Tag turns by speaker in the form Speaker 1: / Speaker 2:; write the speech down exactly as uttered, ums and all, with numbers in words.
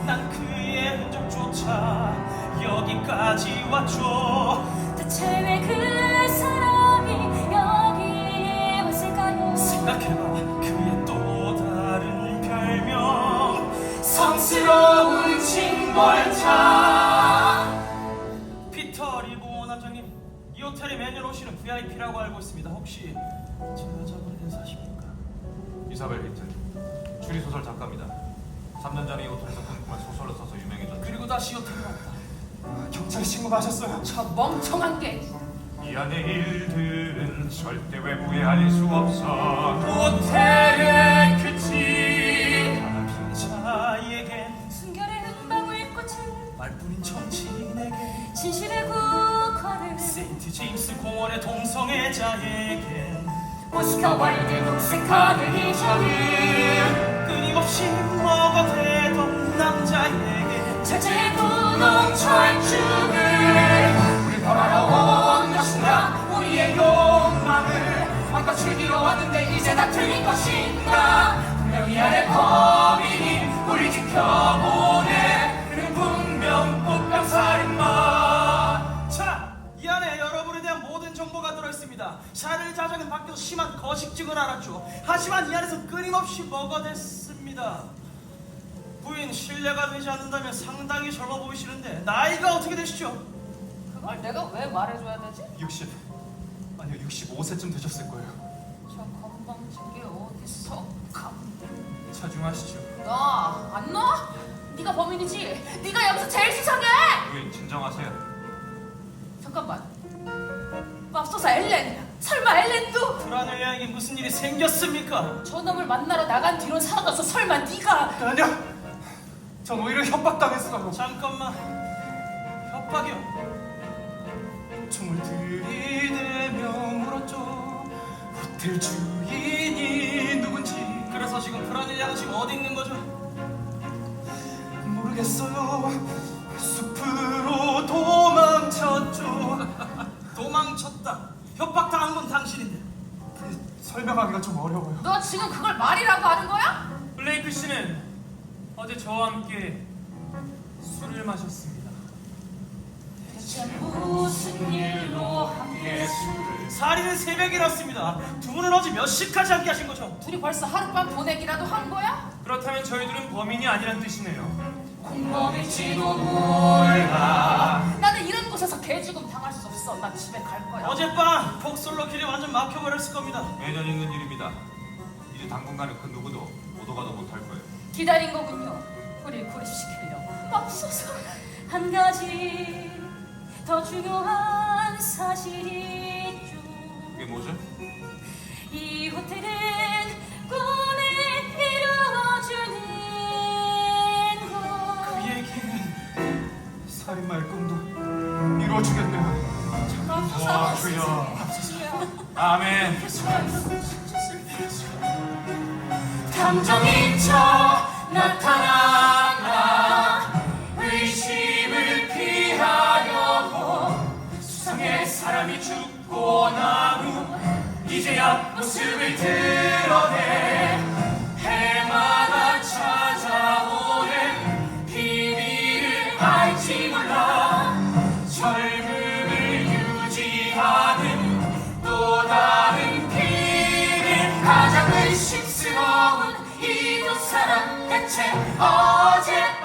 Speaker 1: 난 그의 흔적조차 여기까지 왔죠.
Speaker 2: 대체 왜 그 사람이 여기에 왔을까요?
Speaker 1: 생각해봐, 그의 또 다른 별명, 성스러운 징벌차. 피터 리보 원장님, 이 호텔에 매년 오시는 브이아이피라고 알고 있습니다. 혹시 제 여자분 인사십니까?
Speaker 3: 이사벨 히틀, 추리소설 작가입니다. 삼 년 전에 이 호텔에서 꿈꾸며 소설을 써서 유명해졌죠.
Speaker 1: 그리고 다시 호텔에 왔다.
Speaker 4: 경찰에 신고하셨어요?
Speaker 2: 저 멍청한 게
Speaker 3: 이 안의 일들은 절대 외부에 알릴 수 없어.
Speaker 1: 호텔의 규칙, 빈자에겐
Speaker 2: 순결의 흠방울 꽃을
Speaker 1: 말뿐인 정치인에게,
Speaker 2: 진실의 국화를
Speaker 1: 세인트 제임스 공원의 동성애자에겐,
Speaker 2: 오스카 와일드 녹색 카네이션을
Speaker 1: 끊임없이 먹어대던 남자에게
Speaker 2: 철저히 분홍 철쭉을
Speaker 4: 우리 벌하러 온 것인가? 우리의 욕망을 마음껏 즐기러 왔는데 이제 다 틀린 것인가? 분명히 아래 범인이 우리 지켜보네. 그는 분명 꽃병살인마.
Speaker 1: 자, 이 안에 여러분에 대한 모든 정보가 들어있습니다. 샤를 자장은 밖에서 심한 거식증을 알았죠. 하지만 이 안에서 끊임없이 먹어댔습니다. 부인, 신뢰가 되지 않는다면 상당히 젊어 보이시는데 나이가 어떻게 되시죠?
Speaker 2: 그걸 내가 왜 말해줘야 되지?
Speaker 4: 육십, 아니요 육십오 세쯤 되셨을 거예요.
Speaker 2: 저 건방진 게 어딨어?
Speaker 4: 자중하시죠.
Speaker 2: 나 안 놔? 네가 범인이지? 네가 여기서 제일 수상해!
Speaker 3: 부인 진정하세요.
Speaker 2: 잠깐만, 맙소사 엘렌! 설마 엘렌도?
Speaker 1: 브라넬리아에게 무슨 일이 생겼습니까?
Speaker 2: 저놈을 만나러 나간 뒤로 사라져서 설마 네가?
Speaker 4: 아니요, 전 오히려 협박당했어요.
Speaker 1: 잠깐만, 협박이요?
Speaker 4: 총을 들이대며 물었죠. 호텔 주인이 누군지.
Speaker 1: 그래서 지금 브라넬리아는 지금 어디 있는 거죠?
Speaker 4: 모르겠어요. 숲으로 도망쳤죠.
Speaker 1: 도망쳤다. 협박당한 건 당신인데.
Speaker 4: 그, 설명하기가 좀 어려워요.
Speaker 2: 너 지금 그걸 말이라고 하는 거야?
Speaker 5: 블레이크 씨는 어제 저와 함께 술을 마셨습니다.
Speaker 2: 대체 무슨 일로 함께 술을?
Speaker 1: 살인은 새벽에 일었습니다. 두 분은 어제 몇 시까지 함께 하신 거죠?
Speaker 2: 둘이 벌써 하룻밤 보내기라도 한 거야?
Speaker 5: 그렇다면 저희들은 범인이 아니란 뜻이네요.
Speaker 4: 공범일지도 몰라.
Speaker 2: 나는 이런 곳에서 개죽음 당할 수 없어. 나 집에 갈 거야.
Speaker 1: 어젯밤 폭솔로 길이 완전 막혀버렸을 겁니다.
Speaker 3: 매년 있는 일입니다. 이제 당분간은 그 누구도 오도가도 못할 거예요.
Speaker 2: 기다린 거군요. 우리 구립시키려고. 맙소사. 한 가지 더 중요한 사실이 있죠.
Speaker 3: 그게 뭐죠?
Speaker 2: 이 호텔은 꿈을 이루어주는 곳.
Speaker 1: 그 얘기는
Speaker 4: 살인마의 꿈도 이루어주겠네요.
Speaker 2: 맙소사.
Speaker 3: 와, 주여. 아멘.
Speaker 2: 감정인 척 나타나나
Speaker 4: 의심을 피하려고 수상의 사람이 죽고 난 후 이제야 모습을 드러내 해마다 찾아오는 비밀을 알지 몰라. 젊음을 유지하는 또 다른 비밀. 가장 의심스러운 이 두 사람 대체 어제